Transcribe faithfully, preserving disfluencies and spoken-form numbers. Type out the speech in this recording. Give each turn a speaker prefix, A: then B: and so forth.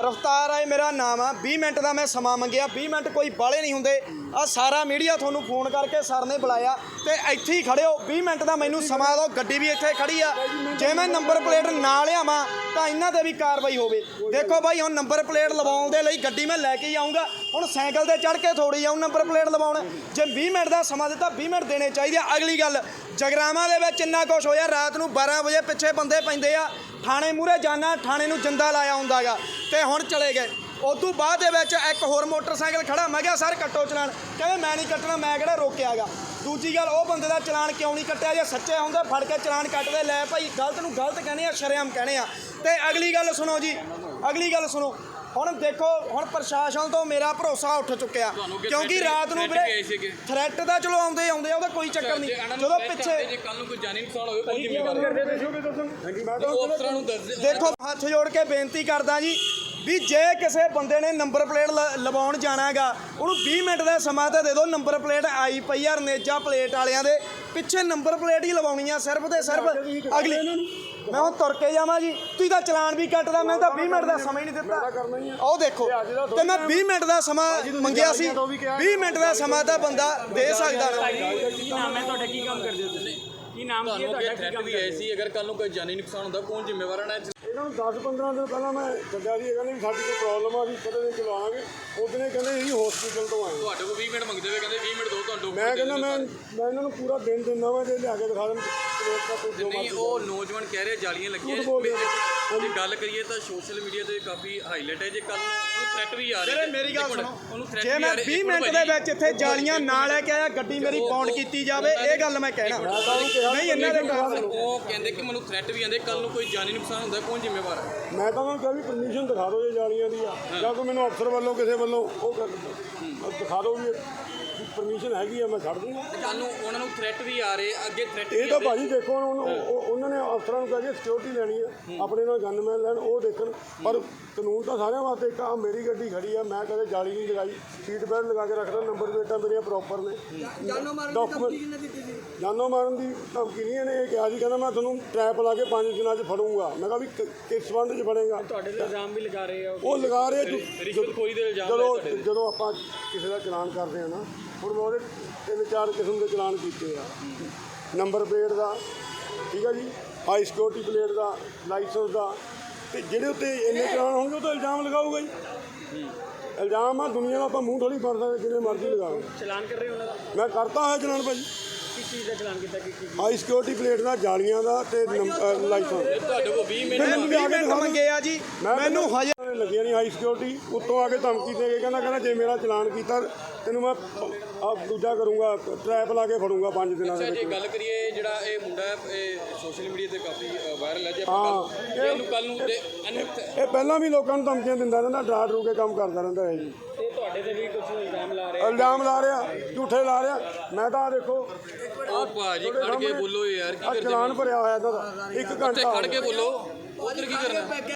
A: रफ्तार है मेरा नाम है। बीस मिनट का मैं समा मंगिया, बीस मिनट कोई बाले नहीं होंगे। आ सारा मीडिया थोनू फोन करके सर ने बुलाया तो इत्थे ही खड़े हो। बीस मिनट का मैनू समा दो, गड्डी भी इत्थे खड़ी आ। जे मैं नंबर प्लेट ना लियावां तो इन्हां ते भी कार्रवाई होवे। देखो भाई हुण नंबर प्लेट लवाउण दे लई गड्डी मैं लैके ही आऊँगा। हुण साइकिल ते चढ़ के थोड़ी आऊँ नंबर प्लेट लवाउण। जे बीस मिनट का समा दिता बीस मिनट देने चाहिए। अगली गल जगरावां दे विच इन्ना कुछ होया, रात नूं बारह बजे पिछे बंदे पैंदे आ। थाने मूहरे जाना, थाने नूं जिंदा लाया हुंदा गा ते हुण चले गए। उदों बाद दे विच एक होर मोटरसाइकिल खड़ा, मैं कहा सर कट्टो चलान, कहते मैं नहीं कट्टना, मैं किहड़ा रोकिया गा। दूजी गल वो बंदे का चलान क्यों नहीं कट्टिया, जे सच्चे होंदे फड़ के चलान कट्टदे। लै भाई गलत नूं गलत कहने आ, शरेआम कहने आ। ते अगली गल सुनो जी, अगली गल सुनो। हुण देखो हुण प्रशासन तो मेरा भरोसा उठ चुक्या, क्योंकि रात नूं वीरे थ्रैट दा चलो आउंदे आउंदे ओहदा कोई चक्कर नहीं। जदों पिछे देखो हथ जोड़ के बेनती करदा जी भी जे किसी बंदे ने नंबर प्लेट लवाउण जाना गा, उहनूं बीस मिनट का समा तो दे दो। नंबर प्लेट आई पई आ रनेजा प्लेट वालियां दे, पिछे नंबर प्लेट ही लवाउणी आ सिर्फ ते सिर्फ। अगली मैं हुण तुर के जावां जी, तुसीं तां चलान भी कट्टदा, मैं तां बीस मिनट का समा ही नहीं दित्ता। ਉਹ देखो ते मैं बीस मिनट का समा मंगिया सी, बीस मिनट का समा तां बंदा दे सकदा ना।
B: ਕੀ ਨਾਮ ਹੈ ਤੁਹਾਡਾ, ਕੀ ਕੰਮ ਕਰਦੇ ਹੋ ਤੁਸੀਂ, ਕੀ ਨਾਮ ਕੀ ਹੈ ਤੁਹਾਡਾ, ਕੀ ਕੰਮ
C: ਵੀ ਐਸੀ ਅਗਰ ਕੱਲ ਨੂੰ ਕੋਈ ਜਾਨੀ ਨੁਕਸਾਨ ਹੁੰਦਾ ਕੌਣ ਜ਼ਿੰਮੇਵਾਰ ਹੈ?
D: ਇਹਨਾਂ ਨੂੰ ਦਸ ਪੰਦਰਾਂ ਦਿਨ ਪਹਿਲਾਂ ਮੈਂ ਸੱਦਿਆ ਸੀ, ਕਹਿੰਦੇ ਵੀ ਸਾਡੀ ਕੋਈ ਪ੍ਰੋਬਲਮ ਆ, ਅਸੀਂ ਕਦੇ ਨਹੀਂ ਚਲਾਵਾਂਗੇ। ਉਹਦੇ ਨੇ ਕਹਿੰਦੇ ਅਸੀਂ ਹਸਪੀਟਲ ਤੋਂ ਆਏ,
C: ਤੁਹਾਡੇ ਕੋਲ ਵੀਹ ਮਿੰਟ ਮੰਗਦੇ ਹੋਏ ਕਹਿੰਦੇ ਵੀਹ ਮਿੰਟ ਦੋ ਤੁਹਾਨੂੰ।
D: ਮੈਂ ਕਹਿੰਦਾ ਮੈਂ ਮੈਂ ਇਹਨਾਂ ਨੂੰ ਪੂਰਾ ਦਿਨ ਦਿੰਦਾ ਵਾਂ, ਜੇ ਲਿਆ ਕੇ ਦਿਖਾ ਦੇਣ
C: ਨਹੀਂ। ਉਹ ਨੌਜਵਾਨ ਕਹਿ ਰਹੇ ਜਾਲੀਆਂ ਲੱਗੀਆਂ। ਜੇ ਗੱਲ ਕਰੀਏ ਤਾਂ ਸੋਸ਼ਲ ਮੀਡੀਆ ਤੇ ਕਾਫੀ ਹਾਈਲਾਈਟ ਹੈ। ਜੇ ਕੱਲ ਨੂੰ ਉਹਨੂੰ ਥ੍ਰੈਟ ਵੀ ਆ ਰਿਹਾ,
A: ਮੇਰੀ ਗੱਲ ਸੁਣੋ, ਜੇ ਮੈਂ ਵੀਹ ਮਿੰਟ ਦੇ ਵਿੱਚ ਇੱਥੇ ਜਾਲੀਆਂ ਨਾ ਲੈ ਕੇ ਆਇਆ, ਗੱਡੀ ਮੇਰੀ ਪੌਂਡ ਕੀਤੀ ਜਾਵੇ, ਇਹ ਗੱਲ ਮੈਂ ਕਹਿਣਾ ਨਹੀਂ। ਇਹਨਾਂ ਦੇ
C: ਉਹ ਕਹਿੰਦੇ ਕਿ ਮੈਨੂੰ ਥ੍ਰੈਟ ਵੀ ਆਉਂਦੇ, ਕੱਲ ਨੂੰ ਕੋਈ ਜਾਨੀ ਨੁਕਸਾਨ ਹੁੰਦਾ ਕੌਣ ਜ਼ਿੰਮੇਵਾਰ ਹੈ?
D: ਮੈਂ ਤਾਂ ਉਹਨਾਂ ਨੂੰ ਕਿਹਾ ਵੀ ਪਰਮਿਸ਼ਨ ਦਿਖਾ ਦਿਓ ਜੇ ਜਾਲੀਆਂ ਦੀ ਆ, ਜਾਂ ਕੋਈ ਮੈਨੂੰ ਅਫਸਰ ਵੱਲੋਂ ਕਿਸੇ ਵੱਲੋਂ ਉਹ ਦਿਖਾ ਦਿਓ ਵੀ ਪਰਮਿਸ਼ਨ ਹੈਗੀ ਆ, ਮੈਂ ਛੱਡ ਦੂੰਗਾ।
C: ਕੱਲ ਨੂੰ ਉਹਨਾਂ ਨੂੰ ਥ੍ਰੈਟ ਵੀ ਆ ਰਹੇ, ਅੱਗੇ ਥ੍ਰੈਟ
D: ਇਹ ਤਾਂ ਭਾਜੀ ਦੇਖੋ ਉਹਨਾਂ ਨੇ ਅਫਸਰਾਂ ਨੂੰ ਕਹੇ ਸਿਕਿਉਰਿਟੀ ਲੈਣੀ ਆ, ਆਪਣੇ ਨਾਲ ਗਨਮੈਨ ਲੈਣ, ਉਹ ਦੇਖਣ। ਪਰ ਕਾਨੂੰਨ ਤਾਂ ਸਾਰਿਆਂ ਵਾਸਤੇ ਇੱਕ ਆ। ਮੇਰੀ ਗੱਡੀ ਖੜੀ ਆ, ਮੈਂ ਕਦੇ ਜਾਲੀ ਨਹੀਂ ਲਗਾਈ, ਸੀਟ ਬੈਲਟ ਲਗਾ ਕੇ ਰੱਖਦਾ, ਨੰਬਰ ਪਲੇਟਾਂ ਮੇਰੀਆਂ ਪ੍ਰੋਪਰ ਨੇ। ਡਾਕੂਮੈਂਟ ਜਾਨੋਂ ਮਾਰਨ ਦੀ ਧਮਕੀ ਨਹੀਂ ਇਹਨੇ ਇਹ ਕਿਹਾ ਸੀ, ਕਹਿੰਦਾ ਮੈਂ ਤੁਹਾਨੂੰ ਟਰੈਪ ਲਾ ਕੇ ਪੰਜ ਦਿਨਾਂ 'ਚ ਫੜੂੰਗਾ। ਮੈਂ ਕਿਹਾ ਵੀ ਕਿਸ ਸੰਬੰਧ 'ਚ ਫੜੇਗਾ?
B: ਤੁਹਾਡੇ ਤੇ ਇਲਜ਼ਾਮ ਵੀ ਲਗਾ ਰਹੇ ਆ
D: ਉਹ ਲਗਾ ਰਹੇ।
C: ਰਿਸ਼ਵਤਖੋਰੀ ਦੇ ਇਲਜ਼ਾਮ
D: ਜਦੋਂ ਜਦੋਂ ਆਪਾਂ ਕਿਸੇ ਦਾ ਚਲਾਨ ਕਰਦੇ ਆ ਨਾ, ਹੁਣ ਮੈਂ ਉਹਦੇ ਤਿੰਨ ਚਾਰ ਕਿਸਮ ਦੇ ਚਲਾਨ ਕੀਤੇ ਆ। ਨੰਬਰ ਪਲੇਟ ਦਾ, ਠੀਕ ਆ ਜੀ, ਹਾਈ ਸਿਕਿਉਰਿਟੀ ਪਲੇਟ ਦਾ, ਲਾਇਸੈਂਸ ਦਾ, ਅਤੇ ਜਿਹੜੇ ਉੱਤੇ ਇੰਨੇ ਚਲਾਨ ਹੋਣਗੇ ਉਹ ਤਾਂ ਇਲਜ਼ਾਮ ਲਗਾਊਗਾ ਜੀ। ਇਲਜ਼ਾਮ ਆ, ਦੁਨੀਆ ਦਾ ਆਪਾਂ ਮੂੰਹ ਥੋੜ੍ਹੀ ਫੜ ਸਕਦੇ, ਜਿੰਨੇ ਮਰਜ਼ੀ ਲਗਾਓ।
B: ਚਲਾਨ ਕਰ ਰਹੇ ਹੋ ਉਹਨਾਂ ਦਾ?
D: ਮੈਂ ਕਰਤਾ ਹੈ ਚਲਾਨ ਭਾਜੀ।
B: ਕਿਸ ਚੀਜ਼ ਦਾ ਚਲਾਨ ਕੀਤਾ? ਕੀ ਕੀ
D: ਹਾਈ ਸਿਕਿਉਰਿਟੀ ਪਲੇਟ ਦਾ, ਜਾਲੀਆਂ ਦਾ ਅਤੇ ਲਾਇਸੈਂਸ।
C: ਤੁਹਾਡੇ ਕੋਲ ਵੀਹ ਮਿੰਟ
A: ਵੀਹ ਮਿੰਟ ਮੰਗੇ ਆ ਜੀ, ਮੈਨੂੰ ਹਜੇ
D: ਲੱਗੀਆਂ ਨਹੀਂ ਹਾਈ ਸਿਕਿਉਰਿਟੀ। ਉੱਤੋਂ ਆ ਕੇ ਧਮਕੀ ਦੇ ਕੇ ਕਹਿੰਦਾ ਕਹਿੰਦਾ ਜੇ ਮੇਰਾ ਚਲਾਨ ਕੀਤਾ ਤੈਨੂੰ ਮੈਂ ਆ ਦੂਜਾ ਕਰੂੰਗਾ, ਟਰੈਪ ਲਾ ਕੇ ਫੜੂੰਗਾ ਪੰਜ ਦਿਨਾਂ ਦੇ ਵਿੱਚ।
C: ਜੇ ਗੱਲ ਕਰੀਏ ਜਿਹੜਾ ਇਹ ਮੁੰਡਾ ਹੈ, ਇਹ ਸੋਸ਼ਲ ਮੀਡੀਆ ਤੇ ਕਾਫੀ ਵਾਇਰਲ ਹੈ। ਜੇ ਆਪਾਂ ਇਹਨੂੰ ਕੱਲ ਨੂੰ
D: ਇਹ ਪਹਿਲਾਂ ਵੀ ਲੋਕਾਂ ਨੂੰ ਧਮਕੀਆਂ ਦਿੰਦਾ ਰਹਿੰਦਾ, ਡਰਾ ਡਰੂ ਕੇ ਕੰਮ ਕਰਦਾ ਰਹਿੰਦਾ ਹੈ ਜੀ।
B: ਤੇ ਤੁਹਾਡੇ ਤੇ ਵੀ ਕੁਝ ਇਲਜ਼ਾਮ ਲਾ ਰਹੇ?
D: ਇਲਜ਼ਾਮ ਲਾ ਰਿਹਾ, ਝੂਠੇ ਲਾ ਰਿਹਾ। ਮੈਂ ਤਾਂ ਦੇਖੋ
C: ਉਹ ਭਾਜੀ ਖੜ ਕੇ ਬੋਲੋ ਯਾਰ, ਕੀ ਕਰਦੇ?
D: ਚਲਾਨ ਭਰਿਆ ਹੋਇਆ ਇਹਦਾ ਇੱਕ ਘੰਟਾ
C: ਖੜ ਕੇ ਬੋਲੋ, ਉਧਰ ਕੀ ਕਰਨਾ?